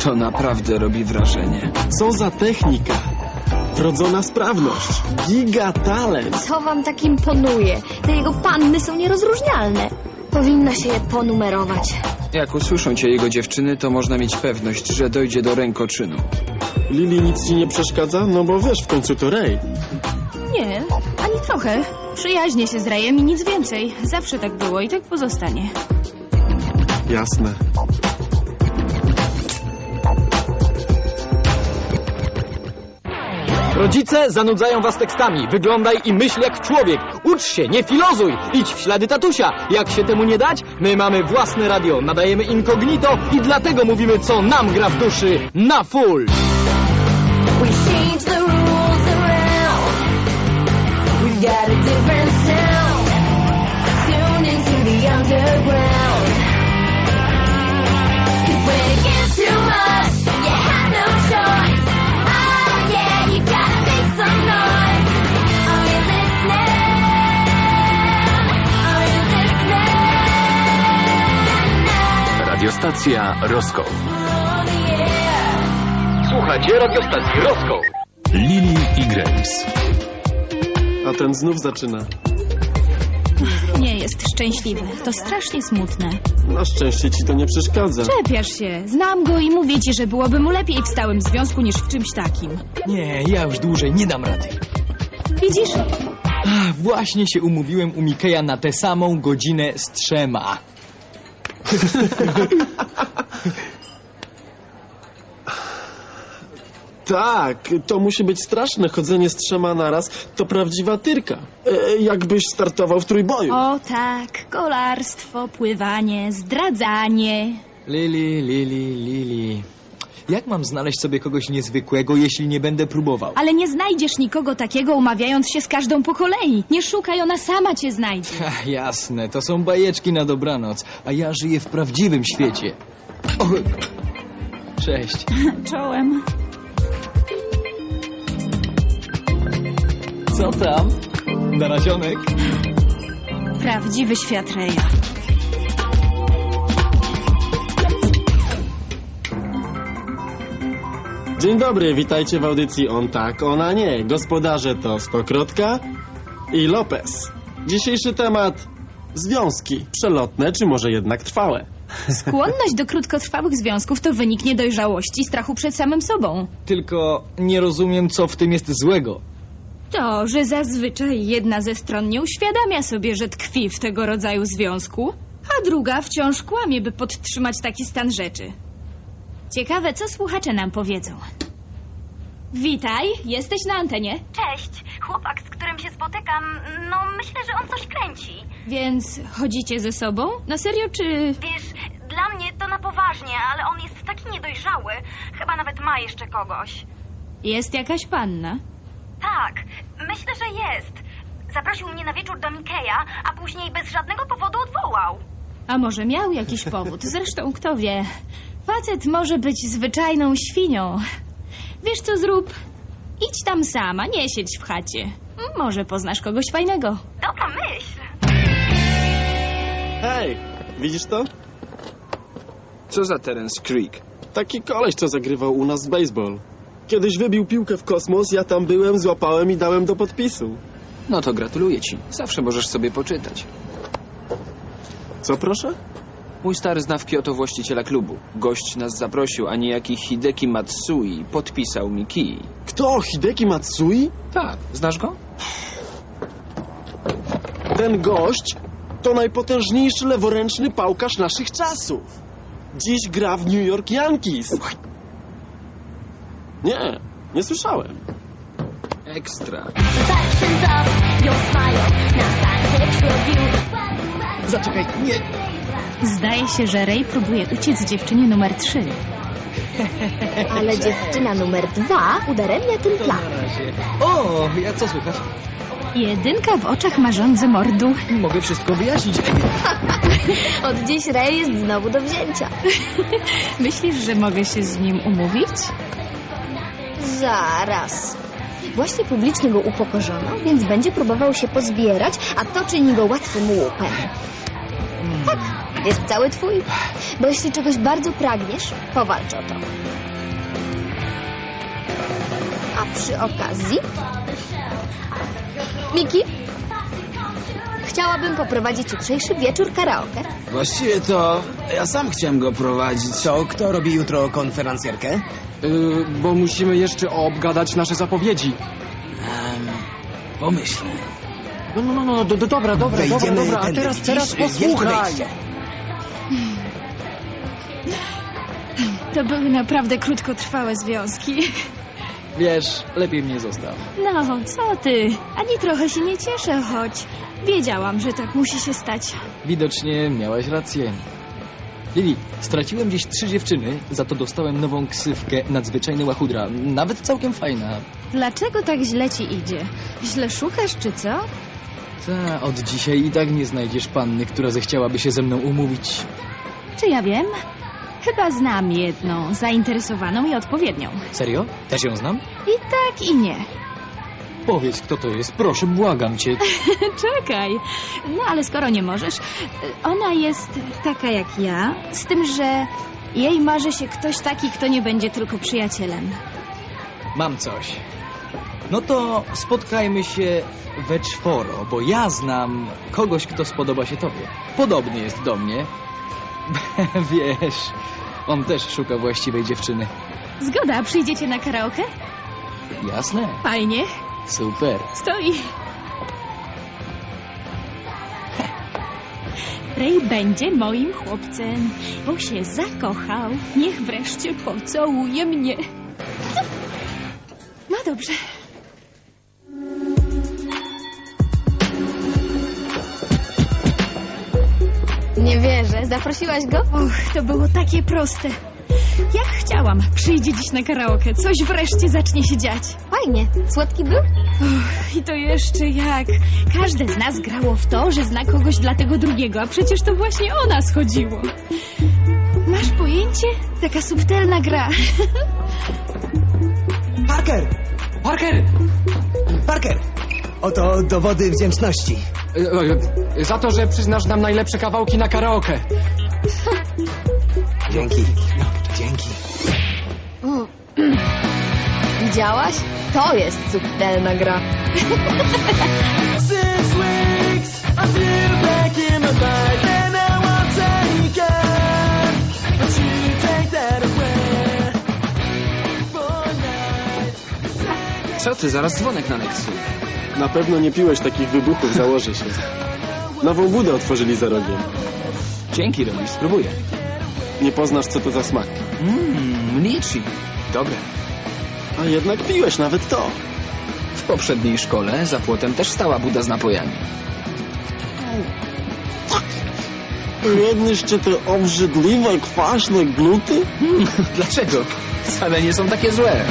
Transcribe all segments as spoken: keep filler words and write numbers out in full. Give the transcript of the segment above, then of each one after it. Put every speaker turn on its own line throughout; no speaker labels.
To naprawdę robi wrażenie.
Co za technika? Wrodzona sprawność. Giga talent.
Co wam tak imponuje? Te jego panny są nierozróżnialne. Powinno się je ponumerować.
Jak usłyszą cię jego dziewczyny, to można mieć pewność, że dojdzie do rękoczynu.
Lili nic ci nie przeszkadza? No bo wiesz, w końcu to Ray.
Nie, ani trochę. Przyjaźnię się z Rayem i nic więcej. Zawsze tak było i tak pozostanie.
Jasne.
Rodzice zanudzają was tekstami. Wyglądaj i myśl jak człowiek. Ucz się, nie filozuj. Idź w ślady tatusia. Jak się temu nie dać? My mamy własne radio, nadajemy incognito i dlatego mówimy, co nam gra w duszy na full.
We change the rules around. We've got a different sound. Tune into the underground. 'Cause when it gets too much, you have no choice. Oh yeah, you gotta make some noise. Are you listening? Are you listening?
Radiostacja Roscoe.
On the air.
Słuchajcie radiostacji Roscoe.
Lili i Grace.
A ten znów zaczyna.
Nie jest szczęśliwy. To strasznie smutne.
Na szczęście ci to nie przeszkadza.
Czepiasz się. Znam go i mówię ci, że byłoby mu lepiej w stałym związku niż w czymś takim.
Nie, ja już dłużej nie dam rady.
Widzisz?
Ach, właśnie się umówiłem u Mikeja na tę samą godzinę z trzema.
Tak, to musi być straszne. Chodzenie z trzema naraz to prawdziwa tyrka. E, jakbyś startował w trójboju.
O tak, kolarstwo, pływanie, zdradzanie.
Lili, Lili, Lili. Jak mam znaleźć sobie kogoś niezwykłego, jeśli nie będę próbował?
Ale nie znajdziesz nikogo takiego, umawiając się z każdą po kolei. Nie szukaj, ona sama cię znajdzie.
Ach, jasne, to są bajeczki na dobranoc, a ja żyję w prawdziwym świecie. O, cześć.
Czołem.
Co tam? Narazionek?
Prawdziwy świat Raya.
Dzień dobry, witajcie w audycji On tak, ona nie. Gospodarze to Stokrotka i Lopez. Dzisiejszy temat: związki. Przelotne, czy może jednak trwałe?
Skłonność do krótkotrwałych związków to wynik niedojrzałości i strachu przed samym sobą.
Tylko nie rozumiem, co w tym jest złego.
To, że zazwyczaj jedna ze stron nie uświadamia sobie, że tkwi w tego rodzaju związku, a druga wciąż kłamie, by podtrzymać taki stan rzeczy. Ciekawe, co słuchacze nam powiedzą. Witaj, jesteś na antenie.
Cześć, chłopak, z którym się spotykam, no myślę, że on coś kręci.
Więc chodzicie ze sobą? Na serio, czy...
Wiesz, dla mnie to na poważnie, ale on jest taki niedojrzały. Chyba nawet ma jeszcze kogoś.
Jest jakaś panna?
Tak, myślę, że jest. Zaprosił mnie na wieczór do Mikeja, a później bez żadnego powodu odwołał.
A może miał jakiś powód? Zresztą kto wie. Facet może być zwyczajną świnią. Wiesz co zrób? Idź tam sama, nie siedź w chacie. Może poznasz kogoś fajnego.
Dobra myśl.
Hej, widzisz to?
Co za Terence Creek?
Taki koleś, co zagrywał u nas w baseball. Kiedyś wybił piłkę w kosmos, ja tam byłem, złapałem i dałem do podpisu.
No to gratuluję ci. Zawsze możesz sobie poczytać.
Co proszę?
Mój stary zna w Kyoto właściciela klubu. Gość nas zaprosił, a niejaki Hideki Matsui podpisał mi kij.
Kto? Hideki Matsui?
Tak, znasz go?
Ten gość to najpotężniejszy leworęczny pałkarz naszych czasów. Dziś gra w New York Yankees. Nie, nie słyszałem.
Ekstra.
Zaczekaj, nie.
Zdaje się, że Ray próbuje uciec dziewczynie numer trzy.
Ale dziewczyna numer dwa udaremnia ten plan.
Na razie. O, ja co słychać?
Jedynka w oczach ma żądzę mordu.
Mogę wszystko wyjaśnić.
Od dziś Ray jest znowu do wzięcia.
Myślisz, że mogę się z nim umówić?
Zaraz. Właśnie publicznie go upokorzono, więc będzie próbował się pozbierać, a to czyni go łatwym łupem. Tak, Jest cały twój. Bo jeśli czegoś bardzo pragniesz, powalcz o to. A przy okazji... Miki? Chciałabym poprowadzić jutrzejszy wieczór karaoke.
Właściwie to ja sam chciałem go prowadzić.
To kto robi jutro konferencjerkę?
Yy, bo musimy jeszcze obgadać nasze zapowiedzi.
Um, pomyślę.
No, no, no, no do, do, dobra, dobra, dobra,
Wejdziemy
dobra, a
tędy,
teraz,
widzisz?
teraz
Wielkie
posłuchaj.
wejście.
To były naprawdę krótkotrwałe związki.
Wiesz, lepiej mnie zostaw.
No, co ty? Ani trochę się nie cieszę, choć wiedziałam, że tak musi się stać.
Widocznie miałaś rację. Lili, straciłem dziś trzy dziewczyny, za to dostałem nową ksywkę Nadzwyczajny Łachudra. Nawet całkiem fajna.
Dlaczego tak źle ci idzie? Źle szukasz, czy co?
Ta, od dzisiaj i tak nie znajdziesz panny, która zechciałaby się ze mną umówić.
Czy ja wiem? Chyba znam jedną, zainteresowaną i odpowiednią.
Serio? Też ją znam?
I tak, i nie.
Powiedz, kto to jest, proszę, błagam cię.
Czekaj. No ale skoro nie możesz, ona jest taka jak ja, z tym, że jej marzy się ktoś taki, kto nie będzie tylko przyjacielem.
Mam coś. No to spotkajmy się we czworo, bo ja znam kogoś, kto spodoba się tobie. Podobny jest do mnie. Wiesz, on też szuka właściwej dziewczyny.
Zgoda, przyjdziecie na karaoke?
Jasne,
Fajnie.
super.
Stoi. Ray będzie moim chłopcem, bo się zakochał. Niech wreszcie pocałuje mnie. No dobrze.
Nie wierzę. Zaprosiłaś go?
Och, to było takie proste. Jak chciałam. Przyjdzie dziś na karaoke. Coś wreszcie zacznie się dziać.
Fajnie. Słodki był?
Och, i to jeszcze jak. Każde z nas grało w to, że zna kogoś dla tego drugiego, a przecież to właśnie o nas chodziło. Masz pojęcie? Taka subtelna gra.
Parker!
Parker!
Parker! Oto dowody wdzięczności.
E, e, Za to, że przyznasz nam najlepsze kawałki na karaoke.
Dzięki. Dzięki.
Mm. Widziałaś? To jest subtelna gra.
Co ty, zaraz dzwonek na Nexu.
Na pewno nie piłeś takich wybuchów, założę się. Nową budę otworzyli za rogiem.
Dzięki, Robi, spróbuję.
Nie poznasz, co to za smak.
Mmm, liczy. Dobre.
A jednak piłeś nawet to.
W poprzedniej szkole za płotem też stała buda z napojami.
Jedliście te obrzydliwe, kwaśne gluty?
Hmm, dlaczego? Wcale nie są takie złe.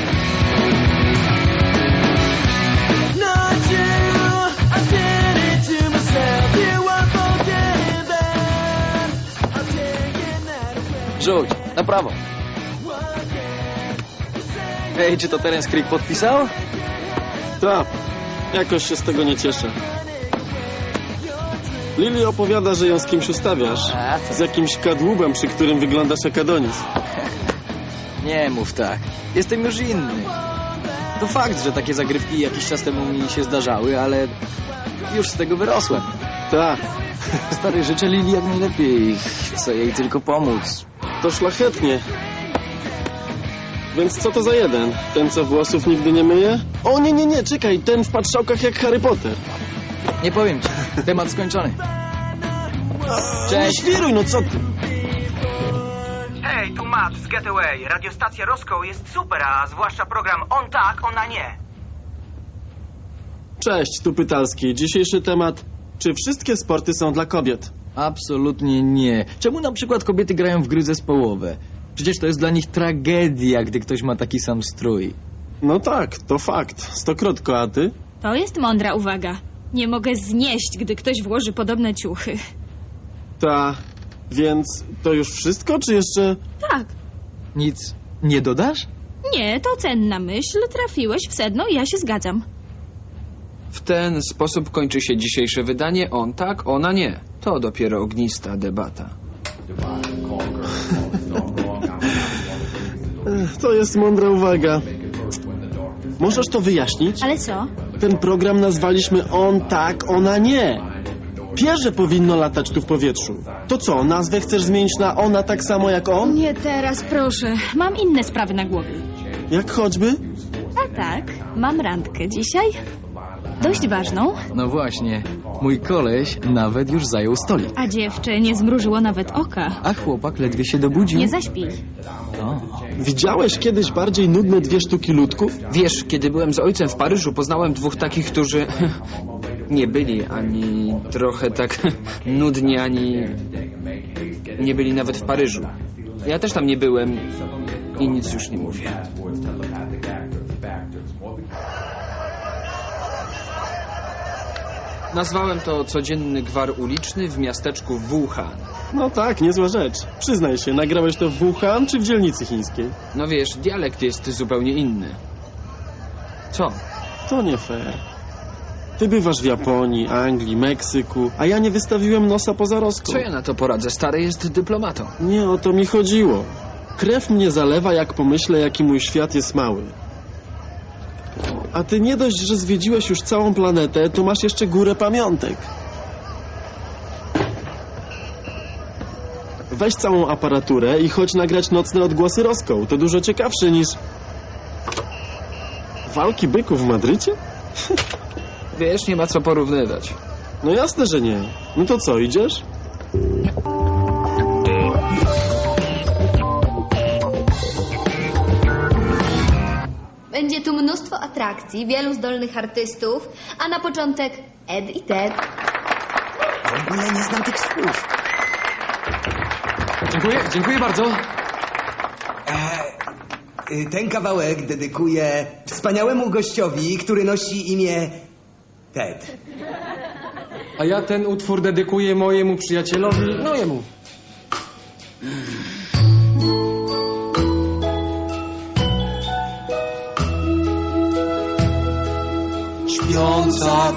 Rzuć, na prawo. Ej, czy to Terence Creek podpisał?
Tak, jakoś się z tego nie cieszę. Lili opowiada, że ją z kimś ustawiasz.
A, to...
Z jakimś kadłubem, przy którym wyglądasz jak Adonis.
Nie mów tak. Jestem już inny. To fakt, że takie zagrywki jakiś czas temu mi się zdarzały, ale już z tego wyrosłem.
Tak,
Stary, życzę Lili jak najlepiej. Chcę jej tylko pomóc.
to szlachetnie. Więc co to za jeden? Ten, co włosów nigdy nie myje? O nie, nie, nie, czekaj, ten w patrzałkach jak Harry Potter.
Nie powiem ci. Temat skończony.
Nie
Cześć.
świruj, no co ty?
Hej, tu Matt z Getaway. Radiostacja Roscoe jest super, a zwłaszcza program On tak, ona nie.
Cześć, tu Pytalski. Dzisiejszy temat. Czy wszystkie sporty są dla kobiet?
Absolutnie nie. Czemu na przykład kobiety grają w gry zespołowe? Przecież to jest dla nich tragedia, gdy ktoś ma taki sam strój.
No tak, to fakt. Stokrotko, a ty?
To jest mądra uwaga. Nie mogę znieść, gdy ktoś włoży podobne ciuchy.
Ta. Więc to już wszystko, czy jeszcze...
Tak.
Nic nie dodasz?
Nie, to cenna myśl. Trafiłeś w sedno i ja się zgadzam.
W ten sposób kończy się dzisiejsze wydanie On tak, ona nie. To dopiero ognista debata.
Ech, To jest mądra uwaga. Możesz to wyjaśnić?
Ale co?
Ten program nazwaliśmy On tak, ona nie. Pierze powinno latać tu w powietrzu. To co, nazwę chcesz zmienić na Ona tak samo jak on?
Nie teraz, proszę. Mam inne sprawy na głowie.
Jak choćby?
A tak, mam randkę dzisiaj. Dość ważną.
No właśnie, mój koleś nawet już zajął stolik.
A dziewczę nie zmrużyło nawet oka.
A chłopak ledwie się dobudził.
Nie zaśpij.
O.
Widziałeś kiedyś bardziej nudne dwie sztuki ludków?
Wiesz, kiedy byłem z ojcem w Paryżu, poznałem dwóch takich, którzy nie byli ani trochę tak nudni, ani nie byli nawet w Paryżu. Ja też tam nie byłem i nic już nie mówię. Nazwałem to codzienny gwar uliczny w miasteczku Wuhan.
No tak, niezła rzecz. Przyznaj się, nagrałeś to w Wuhan czy w dzielnicy chińskiej?
No wiesz, dialekt jest zupełnie inny. Co?
To nie fair. Ty bywasz w Japonii, Anglii, Meksyku, a ja nie wystawiłem nosa poza Roską.
Co ja na to poradzę? Stary jest dyplomatą.
Nie o to mi chodziło. Krew mnie zalewa, jak pomyślę, jaki mój świat jest mały. A ty nie dość, że zwiedziłeś już całą planetę, to masz jeszcze górę pamiątek. Weź całą aparaturę i chodź nagrać nocne odgłosy Roską. To dużo ciekawsze niż... walki byków w Madrycie?
Wiesz, nie ma co porównywać.
No jasne, że nie. No to co, idziesz?
Będzie tu mnóstwo atrakcji, wielu zdolnych artystów, a na początek Ed i Ted.
W ogóle nie znam tych słów.
Dziękuję, dziękuję bardzo.
Y, Ten kawałek dedykuję wspaniałemu gościowi, który nosi imię Ted.
A ja ten utwór dedykuję mojemu przyjacielowi, no jemu.
Śpiąca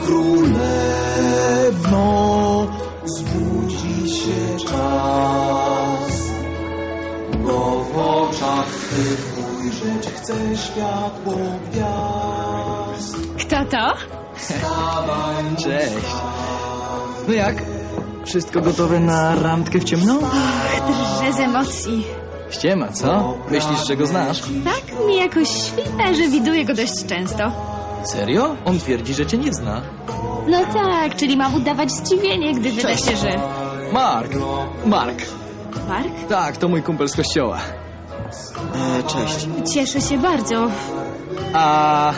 królewno, zbudzi się czas, bo w oczach twych ujrzeć chcę światło gwiazd.
Kto to?
Cześć. No jak? Wszystko gotowe na randkę w ciemno?
Drżę z emocji.
Ściema, co? Myślisz, że go znasz?
Tak mi jakoś świta, że widuję go dość często.
Serio? On twierdzi, że cię nie zna.
No tak, czyli mam udawać zdziwienie, gdy wyda
Cześć.
się, że...
Mark. Mark.
Mark?
Tak, to mój kumpel z kościoła.
E, cześć.
Cieszę się bardzo.
A...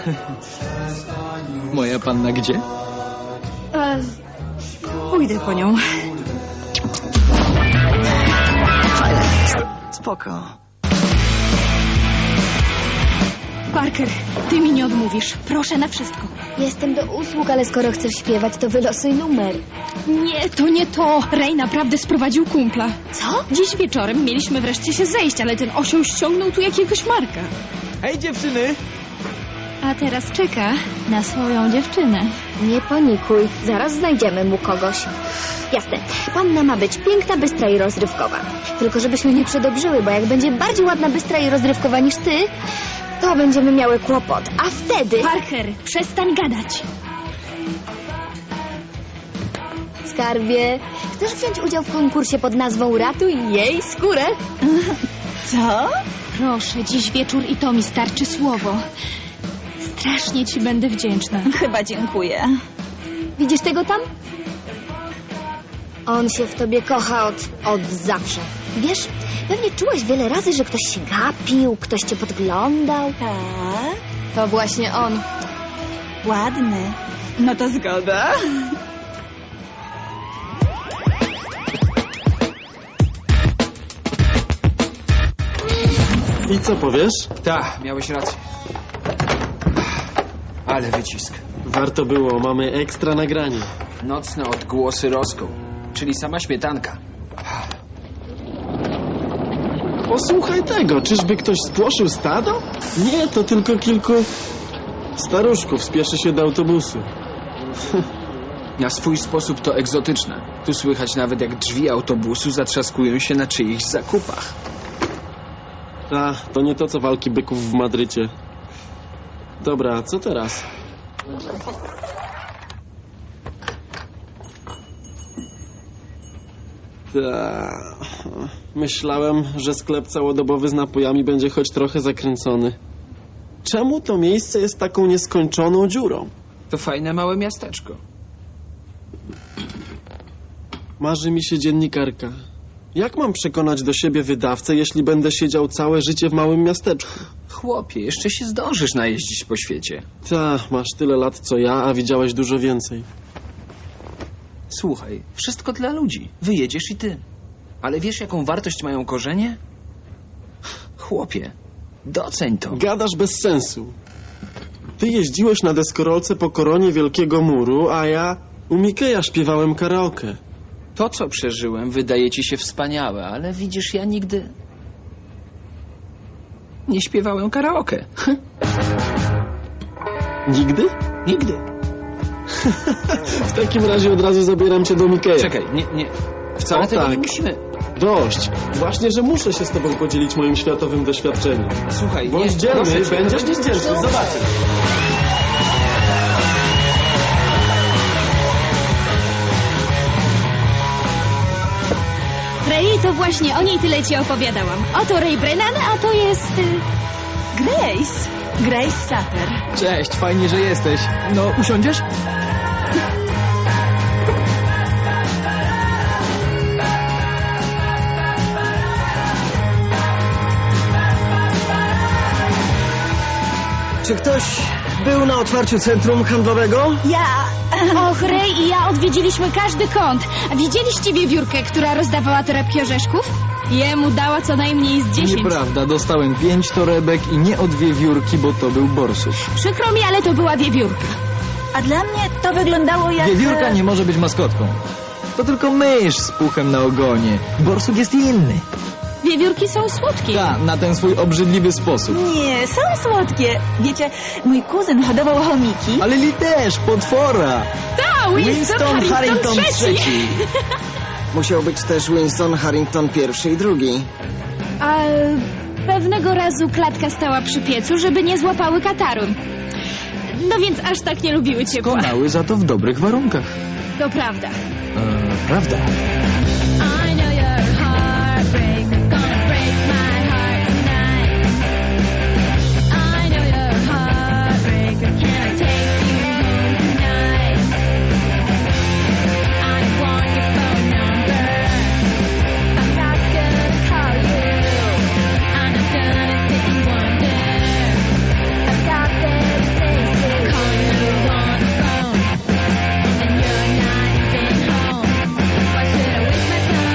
moja panna gdzie?
E, pójdę po nią.
Spoko.
Parker, ty mi nie odmówisz. Proszę na wszystko.
Jestem do usług, ale skoro chcesz śpiewać, to wylosuj numer.
Nie, to nie to. Ray naprawdę sprowadził kumpla.
Co?
Dziś wieczorem mieliśmy wreszcie się zejść, ale ten osioł ściągnął tu jakiegoś Marka.
Hej dziewczyny!
A teraz czeka na swoją dziewczynę.
Nie panikuj, zaraz znajdziemy mu kogoś. Jasne, panna ma być piękna, bystra i rozrywkowa. Tylko żebyśmy nie przedobrzyły, bo jak będzie bardziej ładna, bystra i rozrywkowa niż ty, to będziemy miały kłopot. A wtedy...
Parker, przestań gadać.
Skarbie, chcesz wziąć udział w konkursie pod nazwą Ratuj jej skórę?
Co? Proszę, dziś wieczór i to mi starczy słowo. Strasznie ci będę wdzięczna.
Chyba dziękuję.
Widzisz tego tam? On się w tobie kocha od, od zawsze. Wiesz, pewnie czułaś wiele razy, że ktoś się gapił, ktoś cię podglądał.
Tak?
To właśnie on.
Ładny. No to zgoda.
I co powiesz?
Tak, miałeś rację. Ale wycisk.
Warto było, mamy ekstra nagranie.
Nocne odgłosy Roską, czyli sama śmietanka.
Posłuchaj tego, czyżby ktoś spłoszył stado? Nie, to tylko kilku staruszków spieszy się do autobusu.
Na swój sposób to egzotyczne. Tu słychać nawet, jak drzwi autobusu zatrzaskują się na czyichś zakupach.
A, to nie to, co walki byków w Madrycie. Dobra, co teraz? Ta. Myślałem, że sklep całodobowy z napojami będzie choć trochę zakręcony. Czemu to miejsce jest taką nieskończoną dziurą?
To fajne małe miasteczko.
Marzy mi się dziennikarka. Jak mam przekonać do siebie wydawcę, jeśli będę siedział całe życie w małym miasteczku?
Chłopie, jeszcze się zdążysz najeździć po świecie.
Ta, masz tyle lat co ja, a widziałeś dużo więcej.
Słuchaj, wszystko dla ludzi. Wyjedziesz i ty. Ale wiesz, jaką wartość mają korzenie? Chłopie, doceń to.
Gadasz bez sensu. Ty jeździłeś na deskorolce po koronie Wielkiego Muru, a ja u Mikeja śpiewałem karaoke.
To, co przeżyłem, wydaje ci się wspaniałe, ale widzisz, ja nigdy nie śpiewałem karaoke.
Nigdy?
Nigdy.
W takim razie od razu zabieram cię do Mikeja.
Czekaj, nie, nie. Wcale
O,
tego
tak.
nie musimy.
Dość. Właśnie, że muszę się z tobą podzielić moim światowym doświadczeniem.
Słuchaj,
Bądź
nie,
dzielny,
proszę cię,
będziesz
to-
niezdzielny. Zobaczysz.
Ray, to właśnie o niej tyle ci opowiadałam. Oto Ray Brennan, a to jest... y,
Grace. Grace Sutter.
Cześć, fajnie, że jesteś. No, usiądziesz?
Czy ktoś był na otwarciu centrum handlowego?
Ja...
Och, Ray i ja odwiedziliśmy każdy kąt. A widzieliście wiewiórkę, która rozdawała torebki orzeszków? Jemu dała co najmniej z dziesięć.
Nieprawda, dostałem pięć torebek i nie od wiewiórki, bo to był borsuk.
Przykro mi, ale to była wiewiórka.
A dla mnie to wyglądało jak...
Wiewiórka nie może być maskotką. To tylko mysz z puchem na ogonie. Borsuk jest inny.
Wiewiórki są słodkie.
Tak, na ten swój obrzydliwy sposób.
Nie, są słodkie. Wiecie, mój kuzyn hodował chomiki.
Ale Li też, potwora.
Ta, Winston, Harrington, trzeci.
Musiał być też Winston Harrington pierwszy i drugi.
A pewnego razu klatka stała przy piecu, żeby nie złapały kataru. No więc aż tak nie lubiły ciepła.
Konały za to w dobrych warunkach.
To prawda.
E, prawda.
I know your heartbreak gonna break my heart tonight. I know your heartbreak. Can I take you home tonight? I want your phone number. I'm not gonna call you. I'm not gonna sit and wonder about their faces. Calling you on the phone, and you're not even home. Why should I waste my time?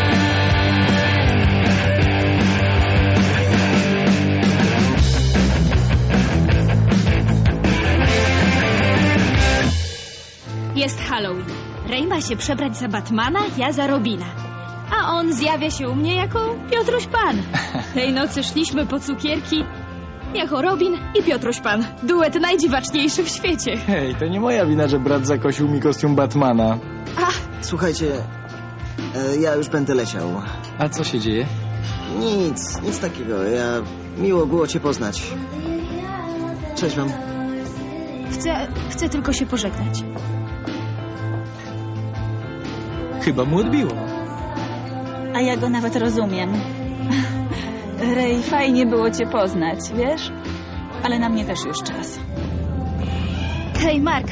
Jest Halloween. Ray ma się przebrać za Batmana, ja za Robina. A on zjawia się u mnie jako Piotruś Pan. Tej nocy szliśmy po cukierki jako Robin i Piotruś Pan. Duet najdziwaczniejszy w świecie.
Hej, to nie moja wina, że brat zakosił mi kostium Batmana.
Słuchajcie, e, ja już będę leciał.
A co się dzieje?
Nic, nic takiego. Ja... Miło było cię poznać. Cześć wam.
Chcę, chcę tylko się pożegnać.
Chyba mu odbiło.
A ja go nawet rozumiem. Ray, fajnie było cię poznać, wiesz? Ale na mnie też już czas.
Hej, Mark.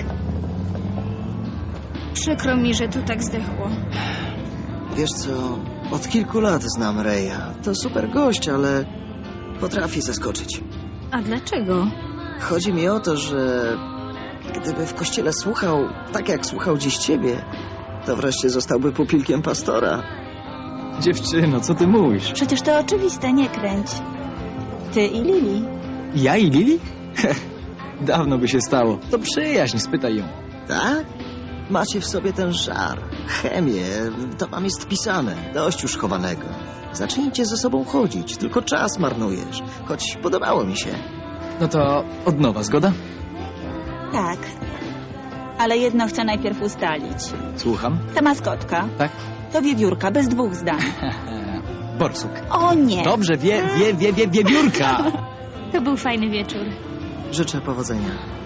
Przykro mi, że tu tak zdechło.
Wiesz co, od kilku lat znam Raya. To super gość, ale potrafi zaskoczyć.
A dlaczego?
Chodzi mi o to, że gdyby w kościele słuchał tak, jak słuchał dziś ciebie, to wreszcie zostałby pupilkiem pastora.
Dziewczyno, co ty mówisz?
Przecież to oczywiste, nie kręć. Ty i Lili.
Ja i Lili? Dawno by się stało. To przyjaźń, spytaj ją.
Tak? Macie w sobie ten żar, chemię, to wam jest pisane, dość już chowanego. Zacznijcie ze sobą chodzić, tylko czas marnujesz, choć podobało mi się.
No to od nowa, zgoda?
Tak. Ale jedno chcę najpierw ustalić.
Słucham?
Ta maskotka
Tak?
to wiewiórka, bez dwóch zdań.
Borsuk.
O nie!
Dobrze, wie, wie, wie, wie, wiewiórka.
To był fajny wieczór.
Życzę powodzenia.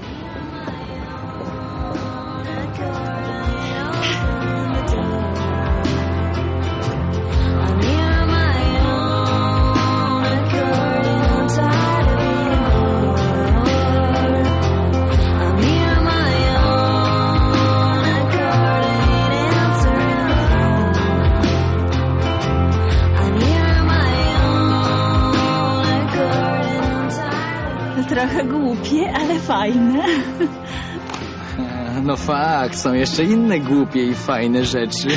Trochę głupie, ale fajne.
No fakt, są jeszcze inne głupie i fajne rzeczy.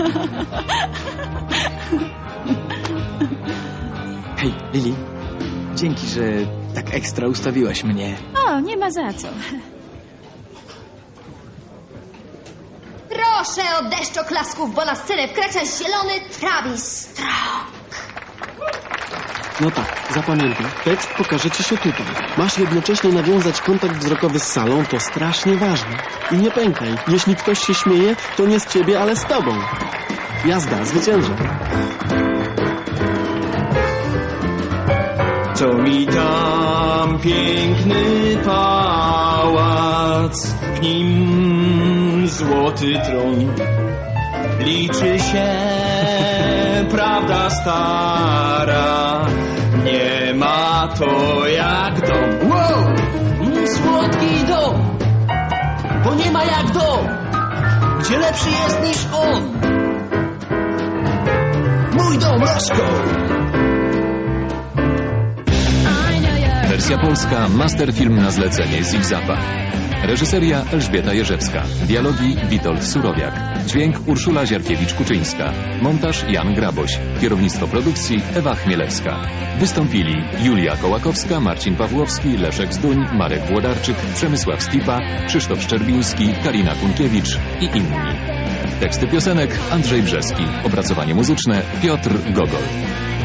Hej, Lili. Dzięki, że tak ekstra ustawiłaś mnie.
O, nie ma za co.
Proszę o deszcz oklasków, bo na scenę wkracza zielony Travis Strong.
No tak, zapamiętaj. Tekst pokaże ci się tutaj. Masz jednocześnie nawiązać kontakt wzrokowy z salą, to strasznie ważne. I nie pękaj. Jeśli ktoś się śmieje, to nie z ciebie, ale z tobą. Jazda, zwyciężę.
To mi tam piękny pałac, w nim złoty tron. Liczy się prawda stara, nie ma to jak dom.
Wow! Mm, słodki dom! Bo nie ma jak dom! Gdzie lepszy jest niż on! Mój dom, Roscoe!
Wersja polska, masterfilm na zlecenie Zigzapa. Reżyseria Elżbieta Jerzewska. Dialogi Witold Surowiak. Dźwięk Urszula Ziarkiewicz-Kuczyńska. Montaż Jan Graboś. Kierownictwo produkcji Ewa Chmielewska. Wystąpili Julia Kołakowska, Marcin Pawłowski, Leszek Zduń, Marek Włodarczyk, Przemysław Stipa, Krzysztof Szczerbiński, Karina Kunkiewicz i inni. Teksty piosenek Andrzej Brzeski. Opracowanie muzyczne Piotr Gogol.